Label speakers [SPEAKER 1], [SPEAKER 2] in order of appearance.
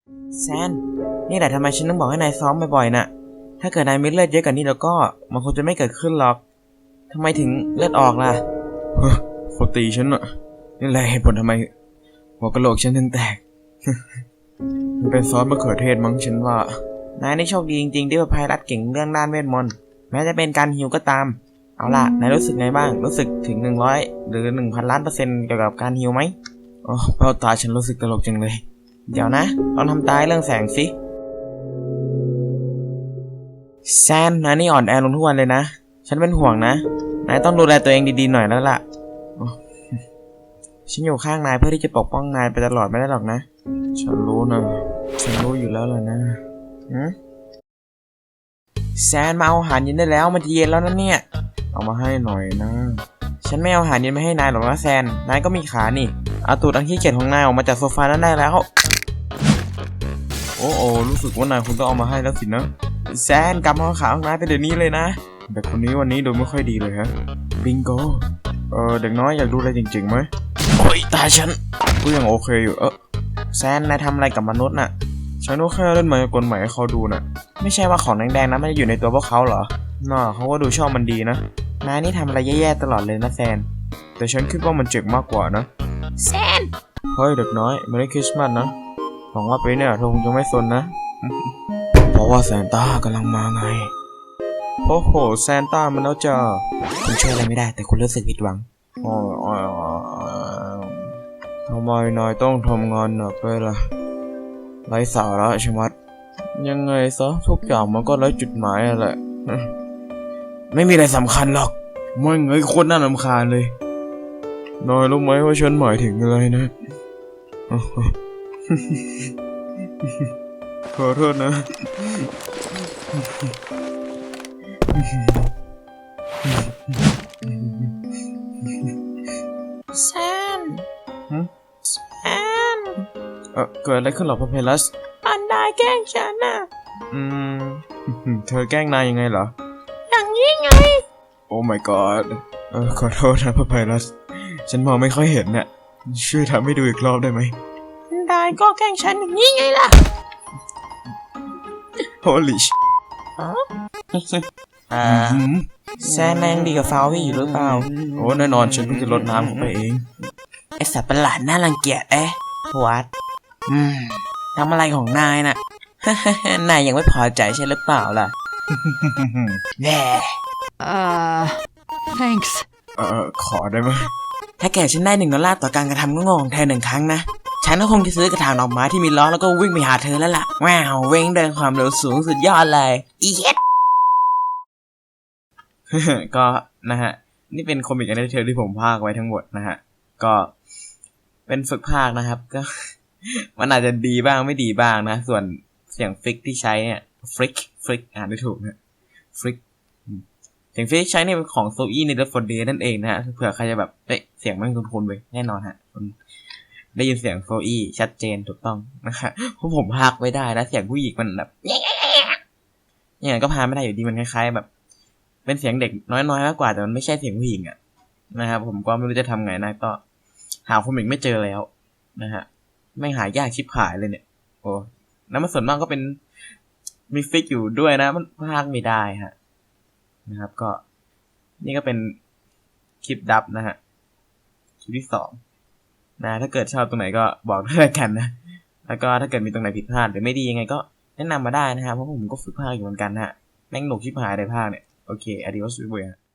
[SPEAKER 1] แซนนี่แหละทำไมฉันต้องบอกให้นายซ้อมบ่อยๆน่ะถ้าเกิดนายมีเลือดเยอะกว่านี้แล้วก็มันคงจะไม่เกิดขึ้นหรอกทำไมถึงเลือดออกล่ะเฮ้ยเขาตีฉันอ่ะนี่แหละเหตุผลทำไมหัวกะโหลกฉันถึงแตก มันเป็นซอสมะเขือเทศมั้งฉันว่านายนี่โชคดีจริงๆที่ว่าไพรัสเก่งเรื่องด้านเวทมนต์แม้จะเป็นการฮีลก็ตามเอาล่ะนายรู้สึกไงบ้างรู้สึกถึง100หรือ 1,000 ล้าน%เกี่ยวกับการฮีลไหมอ๋อเป้าตาฉันรู้สึกตลกจังเลยเดี๋ยวนะลองทำตายเรื่องแสงสิแซนนายนี่อ่อนแอลงทุกวันเลยนะฉันเป็นห่วงนะนายต้องดูแลตัวเองดีๆหน่อยแล้วล่ะฉันอยู่ข้างนายเพื่อที่จะปกป้องนายไปตลอดไม่ได้หรอกนะฉันรู้นะฉันรู้อยู่แล้วล่ะนะแซนมาเอาอาหารเย็นได้แล้วมันจะเย็นแล้วนะเนี่ยเอามาให้หน่อยนะฉันไม่เอาอาหารเย็นมาให้นายหรอกนะแซนนายก็มีขานี่เอาตูดอันขี้เกียจของนายออกมาจากโซฟานั้นได้แล้วโอ้รู้สึกว่านายคุณต้องเอามาให้แล้วสินะแซนกลับมาเอาขาของนายไปเดี๋ยวนี้เลยนะแต่คนนี้วันนี้ดูไม่ค่อยดีเลยฮะบิงโกเด็กน้อยอยากดูอะไรจริงๆไหมโอ้ยตาฉันก็ยังโอเคอยู่แซนนายทำอะไรกับมนุษย์น่ะฉันก็แค่เล่นมายากลใหม่ให้เขาดูน่ะไม่ใช่ว่าของแดงๆนะมันจะอยู่ในตัวพวกเขาเหรอน่าเขาก็ดูชอบมันดีนะนายนี่ทำอะไรแย่ๆตลอดเลยนะแซนแต่ฉันคิดว่ามันเจ็บมากกว่านะ
[SPEAKER 2] แซน
[SPEAKER 1] เฮ้ยเด็กน้อยเมรี่คริสต์มาสนะหวังว่าปีนี้เธอคงจะไม่สนนะ เพราะว่าแซนต้ากำลังมาไงโอ้โหแซนต้ามันแล้วจ้าคุณช่วยอะไรไม่ได้แต่คุณรู้สึกผิดหวังทำไมนายต้องทำงานหนักด้วยล่ะไร้สาระใช่ไหมยังไงซะทุกอย่างมันก็ไร้จุดหมายแหละไม่มีอะไรสำคัญหรอกไม่เงยคนน่ารำคาญเลยนายรู้ไหมว่าฉันหมายถึงอะไรนะขอโทษนะ
[SPEAKER 2] แซน
[SPEAKER 1] เกิดอะไรขึ้นหรอพาเพลัส
[SPEAKER 2] อันนายแกล้งฉันน่ะ
[SPEAKER 1] เธอแกล้งนายยังไงเหรอ
[SPEAKER 2] อย่างนี้ไง
[SPEAKER 1] โอ้ my god ขอโทษนะพาเพลัสฉันมองไม่ค่อยเห็นน่ะช่วยทำให้ดูอีกรอบได้ไหม
[SPEAKER 2] นายก็แกล้งฉันอย่างนี้ไงล่ะ
[SPEAKER 1] Holy แซนแรงดีกับฟาวี่อยู่หรือเปล่าโอ้แน่นอนฉันเพิ่งจะลดน้ำเข้าไปเอง
[SPEAKER 2] ไอสัตว์ประหลาดน่ารังเกียจวัดทำอะไรของนายน่ะ นายยังไม่พอใจใช่หรือเปล่าล่ะแย่
[SPEAKER 3] thanks
[SPEAKER 1] ขอได้ไหม
[SPEAKER 2] ถ้าแกฉันได้$1ต่อการกระทำงงของเธอ1 ครั้งนะฉันก็คงจะซื้อกระถางดอกไม้ที่มีล้อแล้วก็วิ่งไปหาเธอแล้วล่ะว้าววิ่งเดินความเร็วสูงสุดยอดเลยอีเย็ด
[SPEAKER 1] ก็นะฮะนี่เป็นคอมิกอันเทอร์ที่ผมพากไว้ทั้งหมดนะฮะก็เป็นฝึกพากนะครับก็ มันอาจจะดีบ้างไม่ดีบ้างนะส่วนเสียงฟลิกที่ใช้เนี่ยฟลิกอ่านได้ถูกนะฟลิกเสียงฟลิกใช้เนี่ยเป็นของโซอี้ใน Left 4 Dead นั่นเองนะฮะเผื่อใครจะแบบเสียงมันคุ้นๆไปแน่นอนฮะได้ยินเสียงโซอี้ชัดเจนถูกต้องนะครับเพราะผมพากไม่ได้นะเสียงผู้หญิงมันแบบอย่างนั้นก็พากไม่ได้อยู่ดีมันคล้ายๆแบบเป็นเสียงเด็กน้อยๆมากกว่าแต่มันไม่ใช่เสียงผู้หญิงอ่ะนะครับผมก็ไม่รู้จะทำไงนะก็หาคอมิกไม่เจอแล้วนะฮะไม่หายากชิบหายเลยเนี่ยโอ้แล้วมันส่วนมากก็เป็นมีฟิกอยู่ด้วยนะมันพากไม่ได้ฮะนะครับก็นี่ก็เป็นคลิปดับนะฮะคลิปที่2นะถ้าเกิดชอบตรงไหนก็บอกด้วยกันนะแล้วก็ถ้าเกิดมีตรงไหนผิดพลาดหรือไม่ดียังไงก็แนะนำมาได้นะครับเพราะผมก็ฝึกพากอยู่เหมือนกันฮะแม่งหนุกชิบหายในภาคเนี่ยโอเค adios บ๊ายบาย